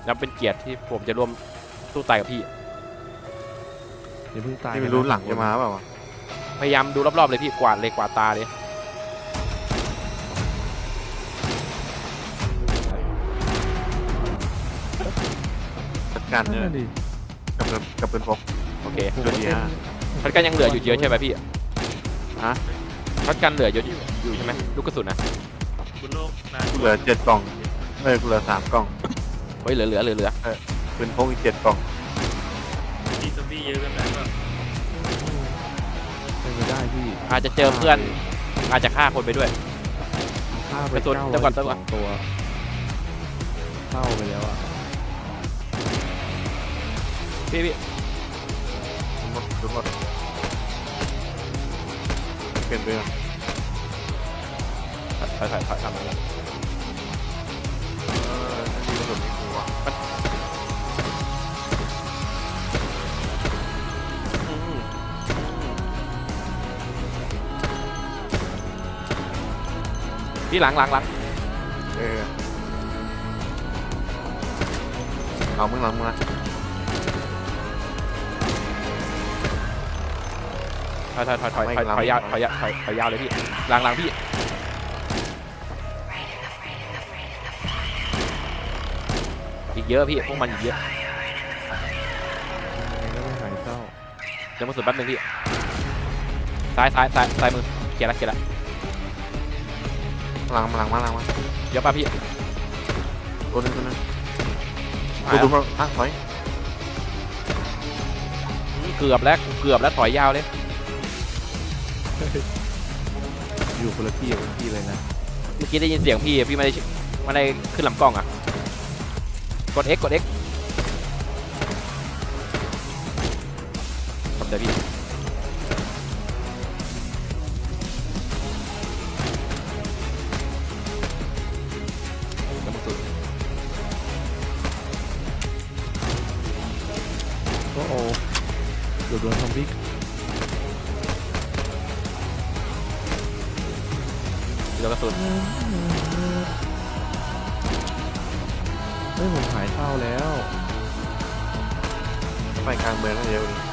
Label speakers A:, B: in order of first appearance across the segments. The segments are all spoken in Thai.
A: นับเป็นเกียรติที่ผมจะร่วมสู้ตายกับพี่
B: อย่าเพิ่งตาย
C: นี่ไม่รู้หลังจะมาเปล่าวะ
A: พยายามดูรอบๆเลยพี่กวาดเลยกวาดตาเลย
C: จัดการเนี่ย
B: นั่นดิ
C: กับเป็นพก
A: โอเค
C: เดือนที่ห้า
A: ช็อตกันยังเหลืออยู่เยอะใช่ไหมพี่
C: ฮะ
A: ช็อตกันเหลือเยอะอยู่ใช่ไหมลูกกระสุนนะ
D: บนโลกนะ
C: กูเหลือ7 กล่องกูเหลือ3 กล่อง
A: เฮ้ยเหลือ
C: เป็นพกอีก7 กล่อง
D: มีซอมบี้เยอะกันแล้วก็
B: เป็นไม่ได้พี่
A: อาจจะเจอเพื่อนอาจจะฆ่าคนไปด้วย
B: ฆ่าไป
A: ไปสุด
B: 9
A: เดี๋ยวก่อนเดี๋ยวก่อน
B: 2ตัวเข้าไปแล้วอ่ะ
A: พี่
C: หมดทุกหมดเปลี่ยนเรื่อง
A: ถอยทำอะไร
C: นี่กระสุนไม่กูวะ
A: พี่หลัง
C: เอามึงหลังมึงนะ
A: ถอยยาวเลยพี่หลังพี่อีกเยอะพี่พวกมันอีกเยอะ
B: ยังไม่หายเศร้า
A: เดี๋ยวมาสุดแป๊บนึงพี่ซ้ายมือเกียร์ละ
C: หลังมา
A: เยอะป่ะพี่
C: ตัวนึงดูมาถอย
A: เกือบแล้วถอยยาวเลย
B: อยู่คนละที่กับพี่เลยนะ
A: เมื่อกี้ได้ยินเสียงพี่ไม่ได้ขึ้นลำกล้องอ่ะกด X กด X ทำได้พี่แล้วมาสุด
B: โอ้โหเกือบโดนซอมบี้
A: แล้วกระสุน
B: เฮ้ยผมหายเศร้าแล้ว
C: ไปกลางเมืองนั่นเดียวดิ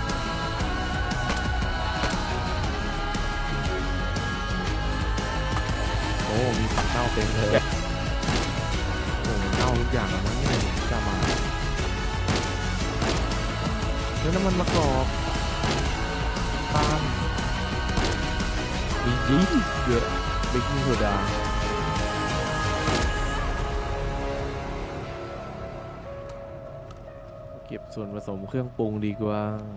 B: โอ้มีผักเน่าเต็มเลยโอ้เน่าทุกอย่างแล้วมั้งเนี่ยจะมาแล้วน้ำมันมะกอกปาล์มดีเยอะเบกกิ้งโซดาเก็บส่วนผสมเครื่องปรุงดีกว่า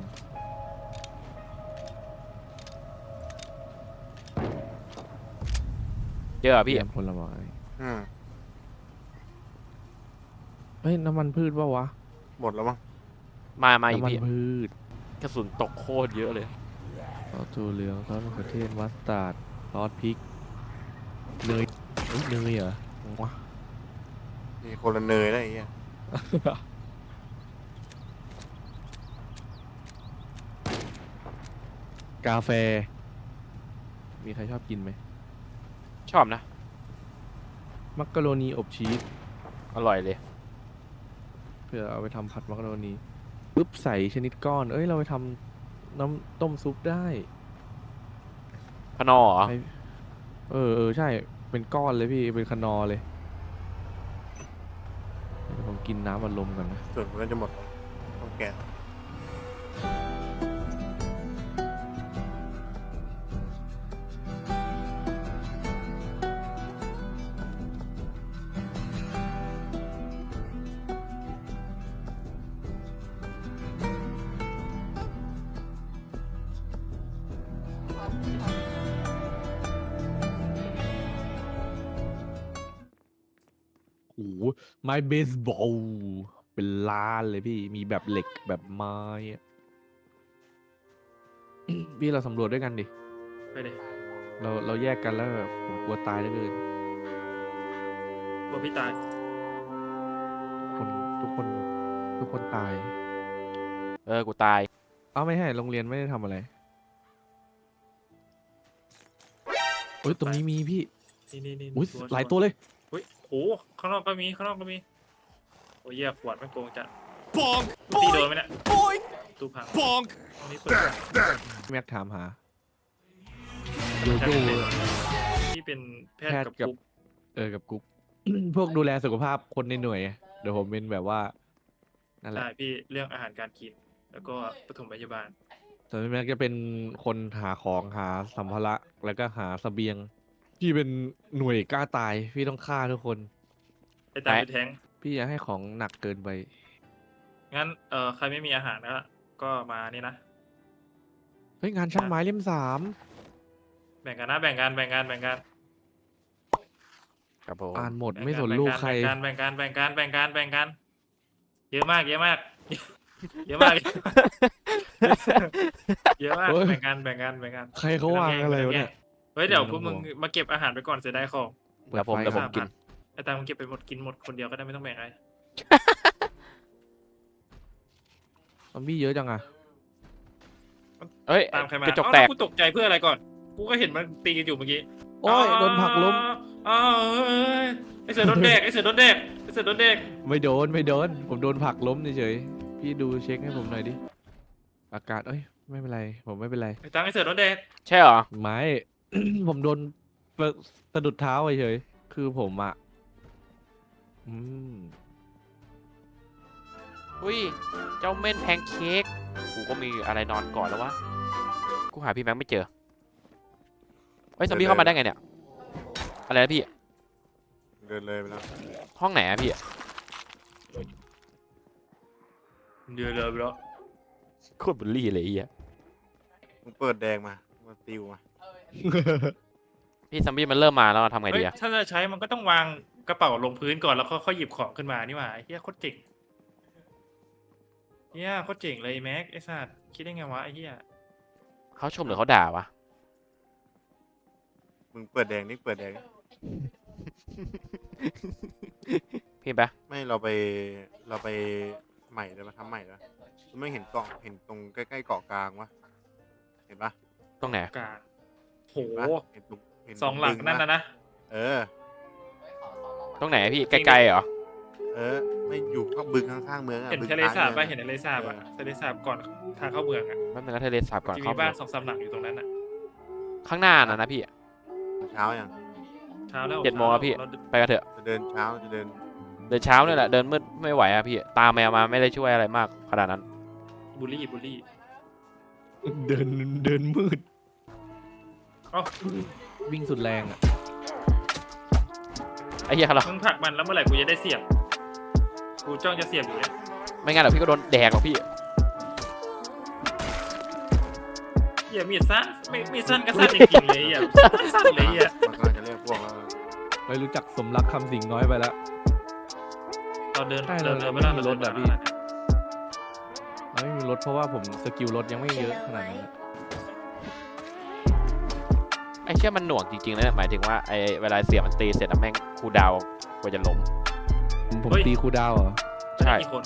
A: เยอะอะพี่
B: เตรียมผลไม้
C: อืม
B: เฮ้ยน้ำมันพืชปะวะ
C: หมดแล้วมั้ง
A: มาอีก
B: น้ำมัน
A: พี่
B: พืช
A: กระสุนตกโคตรเยอะเลย
B: ซอสถั่วเหลืองซอสมะเขือเทศมัสตาร์ดซอสพริกเนยเอ้ยเนยเหรอวะ
C: มีคนละเนยได้ไอ้เงี้ย
B: กาแฟ มีใครชอบกินไหม
A: ชอบนะ
B: มักกะโรนีอบชีส
A: อร่อยเลย
B: เพื่อเอาไปทำผัดมักกะโรนีปุ๊บใส่ชนิดก้อน เอ้ยเราไปทำน้ำต้มซุปได้
A: พนอเหรอ
B: ให้เออใช่เป็นก้อนเลยพี่เป็นคนอร์เลยเดี๋ยวผมกินน้ำอัดลมก่อนนะ
C: ส่วนมันก็จะหมดต้องแกะ
B: โอ้โหไม้เบสบอลเป็นล้านเลยพี่มีแบบเหล็กแบบไม้อะ พี่เราสำรวจด้วยกันดิ
D: ไปเลย
B: เราแยกกันแล้วแบบผมกลัวตายเหลือเกิน
D: กลัวพี่ตาย
B: คนทุกคนตาย
A: กูตาย
B: เอ้าไม่ให้โรงเรียนไม่ได้ทำอะไรเฮ้ยตรงนี้มีพี่
D: นี่
B: อุ้ยหลายตัวเลย
D: อุ้ยโหข้างนอกก็มีโอ้ยเหี้ยขวดไม่โกงจัด
E: Bonk!
D: ตีโดนไหมเนี่ย
E: Boink!
D: ตู้พัง
E: Bonk!
D: ตรงนี้เปิด
B: แม็กถามหาโยโย่
D: ที่เป็นแพทย์กับ
B: แพทย์กับ
D: กุ๊ก
B: กับกุ๊ก พวกดูแลสุขภาพคนในหน่วยไงเดี๋ยวผมเป็นแบบว่านั่นแหละ
D: ใช่พี่เรื่องอาหารการกิน แล้วก็ปฐมพยาบาล
B: ส่วนพี่แม็กจะเป็นคนหาของหาสัมภาระแล้วก็หาเสบียง พี่เป็นหน่วยกล้าตายพี่ต้องฆ่าทุกคน
D: ไอ้ตามไปแทง
B: พี่อย่าให้ของหนักเกินไป
D: งั้นใครไม่มีอาหารก็มานี่นะ
B: เฮ้ยงานช่างไม้เล่ม 3
D: แบ่งกันนะแบ่งกันแบ่งกันแบ่งกัน
A: ครับผม
B: อ่านหมด
D: แบ่ง
B: ไม่
D: กั
B: สนลูกใคร
D: แบ่งกันแบ่งกันแบ่งกันแบ่งกันแบ่งกันเยอะมากเยอะมากเยอะมากเยอะมาก
B: เฮ้ย
D: แบ่งกันแบ่งกันแบ่งกัน
B: ใครเขาวางอะไรวะเนี่ย
D: เฮ้ยเดี๋ยว
B: ไม่
D: พ
B: ต้
D: ว
B: อก ง
D: มึง
B: ห่วง
D: มาเก็บอาหารไปก่อนเสียดายของ
B: เปิ
A: เดี๋ยวผม
B: ไฟ
A: เดี๋ยวผมกิน
D: ไอ้ตามึงเก็บไปหมดกินหมดคนเดียวก็ได้ไม่ต้องแบ่งอะไร
B: ซอมบี้เยอะจังอะ
A: เฮ้ย
D: ตามใครมาก
A: ระจก
D: เอ้า
A: แตก
D: ล้วกูตกใจเพื่ออะไรก่อน กูก็เห็นมันตีกันอยู่เมื่อกี้
B: โอ้ยโดนผลักล้ม
D: อ้าวเอ้ยไอเสือโดนเด็กไอเสือโดนเด็กไอเสือโดนเด็ก
B: ไม่โดนผมโดนผลักล้มเฉยๆพี่ดูเช็คให้ผมหน่อยดิอากาศไม่เป็นไรผมไม่เป็นไร
D: ไอตังไอเสือโดนเด็ก
A: ใช่เหรอ
B: ไม่ ผมโดนสะดุดเท้าเฉยๆคือผมอะอืม
A: อุ้ยเจ้าเม่นแพนเค้กกูก็มีอะไรนอนก่อนแล้ววะกูหาพี่แม็กไม่เจอเฮ้ยซอมบี้เข้ามาได้ไงเนี่ยอะไรนะพี่
C: เดินเลยไปแล้ว
A: ห้องไหนอะพี่
D: เดือดเลยแล้ว
A: โคตรบุลลี่เลยไอ้เหี้ย
C: มึงเปิดแดงมาติวมา
A: พี่ซอมบี้มันเริ่มมาแล้วทำไง
D: เฮ้
A: ดี
D: ย
A: อะ
D: ถ้าจะใช้มันก็ต้องวางกระเป๋าลงพื้นก่อนแล้วค่อยหยิบของขึ้นมานี่หว่าไอ้เหี้ยโคตรเจ๋งเหี้ยโคตรเจ๋งเลยแม็กไอ้สัตว์คิดได้ไงวะไอ้เหี้ย
A: เขาชมหรือเขาด่าวะ
C: มึงเปิดแดงนี่เปิดแดงนี่
A: พี่ปะ
C: ไม่เราไปใหม่เลยมาทำใหม่แล้วไม่เห็นเกาะเห็นตรงใกล้ๆเกาะกลางวะเห็นปะ
A: ตรงไหน
D: กลางโห
C: เห็นปะเห็นตรงเห็น
D: สองหลัง
C: บึ
D: นั่น
C: ป
D: นะ
C: เออ
A: ตรงไหนอะพี่ไกลๆเหรอ
C: ไม่อยู่ข้างบึงข้างๆเมืองอะ
D: เห็น
C: บึง
D: ทะเลสาบ
C: กล
D: ป่ะ
C: ง
D: เห็นทะเลสาบอ่ะทะเลสาบก่อนทางเข้าเมืองอ่ะ
A: แป๊บนึงนะทะเลสาบก่อน
D: จะ
A: เข้า
D: มีบ้าน2-3หลังอยู่ตรงนั้นอ่ะ
A: ข้างหน้านะพี่
C: เช้ายัง
D: เช้าแล้ว
A: 7 โมงครับพี่
D: เรา
A: ไปกันเถอะ
C: จะเดินเช้าจะเดิน
A: เดินเช้าเนี่ยแหละเดินมืดไม่ไหวอะพี่ตามแมวมาไม่ได้ช่วยอะไรมากขนาดนั้น
D: บูลลี่บูลลี่
B: เดินมืด
D: เอ้า
B: วิ่งสุดแรงอะ
A: ไอ้เหี้ยเรา
D: มึงผลักมันแล้วเมื่อไหร่กูจะได้เสียบกูจ้องจะเสียบอยู่เนี่ย
A: ไม่งั้นเดี๋ยวพี่ก็โดนแดกหรอกพี่
D: เหี้ยมีดสั้นไม่มีดสั้นก็สั้นจริงๆเลยอ่ะสั้นเลยอ่ะ
C: มันกำลังจะเรียกพวกแล้ว
B: ไม่รู้จักสมรักคำสิงน้อยไปแล้ว
D: เราเดิน
B: ใช่
D: เดิน
B: เรา
D: ไม่ได้
B: ไม่มีรถอะ
D: เดิน
B: พี่ เราไม่มีรถเพราะว่าผมสกิลรถยังไม่เยอะขนาดนั้นอะ
A: ไอ้เชี่ยมันหน่วงจริงๆนะเนี่ยหมายถึงว่าไอ้เวลาเสียบมันตีเสร็จแล้วแม่งคูลดาวน์กว่าจะล้ม
B: ผมตีคูลดาวน์เหรอ
A: ใช่
D: กี่คน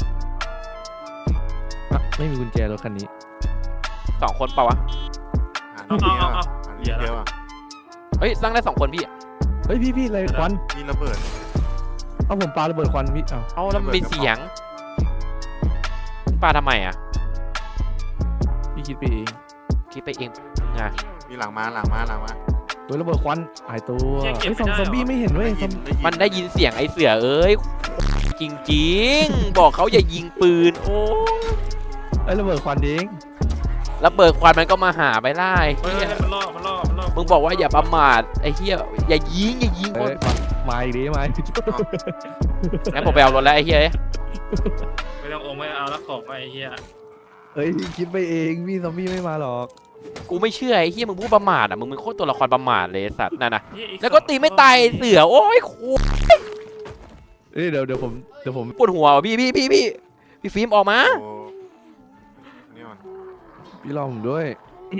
B: อ่ะไม่มีกุญแจรถคันนี้
A: 2 คนเปล่าวะ
C: หาที่เยอะอะหาที่เยอะอะ
A: เฮ้ยสร้างได้2 คนพี่
B: เฮ้ยพี่อะไรควัน
C: นี่ระเบิด
B: เอาผมปาระเบิดควันพี่เอา
A: เอาแล้วมันมีเสียงปาทำไมอะ
B: พี่คิดไปเอง
A: คิดไปเองไง
C: มีหลังมา
B: โดยระเบิดควันหายตัว
D: เหี้ยเก็บ
B: เฮ้ย
D: ไม่ได้
B: ซอมบี้ไม่เห็นเว้ยซอม
A: มันได้ยินเสียงไอ้เสือเอ้ยจริงๆ บอกเขาอย่ายิงปืนโอ้
B: ไอ้ยระเบิดควันเอง
A: แล้วเบิกควันมันก็มาหาไปไล่
D: เฮ้ย
A: เหี้ย
D: มันล่อมันล่อ
A: มึงบอกว่าอย่าประมาทไอ้เหี้ยอย่ายิงค
B: เอ้
A: น
B: ยมาอีกดิมาอีกดิ
A: งั้นผมไปเอารถแล้วไอ้เหี้ย
D: ไม่ต้ององค์ไม่เอาแล้วของมาไอ้เหี้ย
B: เฮ้ยคิดไปเองพี่ซอมบี้ไม่มาหรอก
A: กูไม่เชื่อไอ้เหี้ยมึงพูดประมาทอ่ะมึงเป็นโคตรตัวละครประมาทเลยไอ้สัตว์นั่นนะ
D: เหี้ยอี
A: แล้วก็ตีไม่ตายไอ้เสือโอ้ยโคตร
B: เอ้ยเดี๋ยวผม
A: ปวดหัวว่ะพี่ฟิล์มออกมา
C: โอ้นี่มัน
B: พี่รอผมด้วย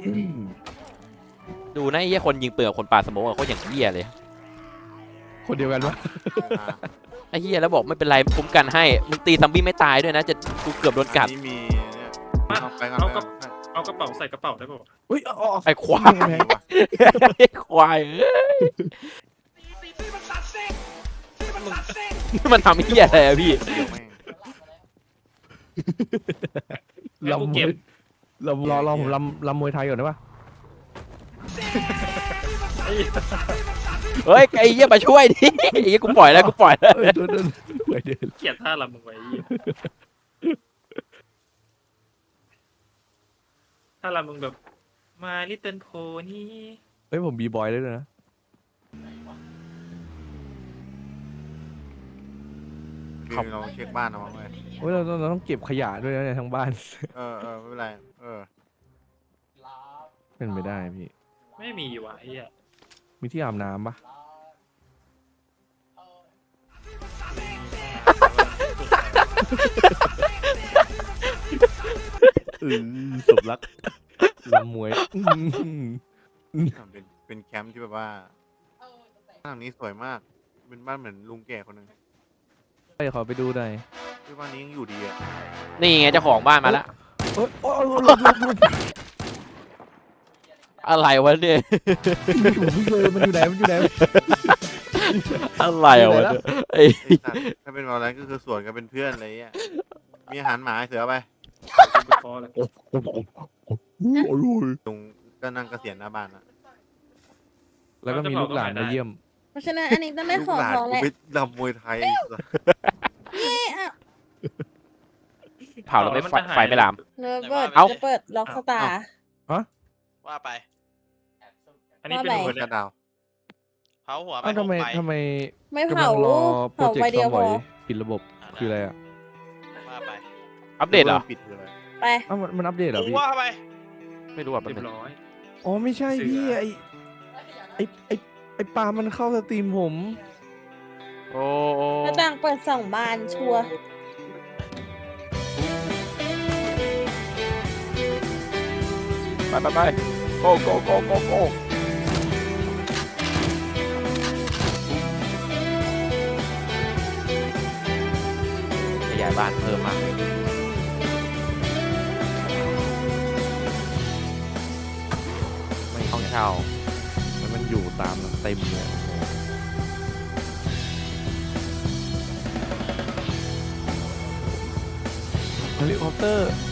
A: ดูนะไอ้เหี้ยคนยิงปืนกับคนปาสโมกอะโคตรอย่างเหี้ยเลย
B: คนเดียวกันปะ
A: ไอ้เหี้ยแล้วบอกไม่เป็นไรคุ้มกันให้มึงตีซัมบี้ไม่ตายด้วยนะจะกูเกือบโดนกัด
C: นี่มีเนี่ย
D: มา
C: เอาไปก่อน
D: เอา
C: ไป
D: ก
C: ก่
D: ระ
C: อน
D: เอากระเป๋าใส่กระเป๋าได้ป่าวะ
B: เฮ้ยอ๋อ
A: ไอ้ควาย
C: ไปก่อน
A: ไอ้ควายเอ้ย
E: ที่มันตัดเส้น
A: มันทำเหี้ยอะไรอะพี่
C: เดี๋ยวแม่ง
D: แล้วกู
B: ลำม
D: เก็
B: ว
D: บ
B: ยรอผมลำมวยไทยก่อนได้ปะ
D: ไอ้เหี้ย
A: เฮ้ยไอ้เหี้ยมาช่วยดิไอ้เหี้ยกูปล่อยแล้วกูปล่อยแล้ว
B: เอ้ยเดินไปเดิน
D: เกลียดท่าลำมึงไว้ไอ้เหี้ยท่าลำมึงแบบ My Little Pony
B: เฮ้ยผมบีบอยได้ด้วยนะ
C: คือเราเช็คบ้านเอาไว้
B: เฮ้ยเราต้องเก็บขยะด้วยนะเนี่ยทั้งบ้าน
C: ไม่เป็นไร
B: เป็นไปได้พี่
D: ไม่มีว่ะไอ้เหี้ย
B: มีที่อาบน้ำปะสมรักลำมวย
C: เป็นแคมป์ที่แบบว่าบ้านหลังนี้สวยมาก เป็นบ้านเหมือนลุงแก่คนหนึ่ง
B: ไปขอไปดูหน่อย
C: ที่บ้านนี้ยังอยู่ดีอ่ะ
A: นี่ไงเจ้าของบ้านมาแล้ว
B: โอ๊ยโอ๊ย
A: อะไรวะเนี่ย
B: มันอยู่ไหน
A: อะไรวะเนี่ยไอ้
C: ไอ้สัตว์ถ้าเป็นเราแล้วก็คือสวนกันเป็นเพื่อนอะไรเงี้ยมีอาหารหมาให้เสือไป
D: กูพอแล้ว
C: ลุงก็นั่งเกษียณหน้าบ้านนะ
B: แล้วก็มีลูกหลานมาเยี่ยม
E: เพราะฉะนั้นอันนี้ต้องได้
C: ลูก
E: ของ
C: หลาน
E: ของ
C: กู
E: แหละ
C: ไปรำมวยไทย
A: เผาแล้วไฟไม่ลาม
E: เนอเปิด
A: เอ้า
E: จะเปิดล็อกสตาร์
F: ว่าไป
D: อันนี้เป็น
E: ว่า
D: หั
E: ไป
D: ว
C: กระดาว
F: เผาหัวไป
B: อ้าวทำไม
F: หกใบ
E: ไม่
B: กำ
E: เผา
B: ลังรอโปร
E: เผา
B: เจก
E: ไฟ
B: ต์
E: เดี
B: ค
E: ย
B: อ
E: ว
B: ม
E: พ
B: บอ
E: อย
B: ปิดระบบคืออะไรอ่ะ
F: ว่าไป
A: อัปเดตเหรอ
C: ปิดคืออะไร
E: ไป
B: อ้าวมันอัปเดตเหรอ
F: กู
B: พี่
F: ว่าไป
A: ไม่รู้อ่ะ
D: เรี
A: แป๊บ
D: ย
A: นึ
D: บ
A: ง
D: ร้อย
B: อ๋อไม่ใช่พี่
D: เสือ
B: ไอปามันเข้าสตรีมผม
A: โอ้
E: หน้าต่างเปิด2 บานชัวร์
A: ไปโกโกขยายบ้านเพิ่มมากเลย
B: ไม่
A: ห้อง
B: เนี่ย
A: เช่า
B: มันอยู่ตามเต็มเลยเฮลิคอปเตอร์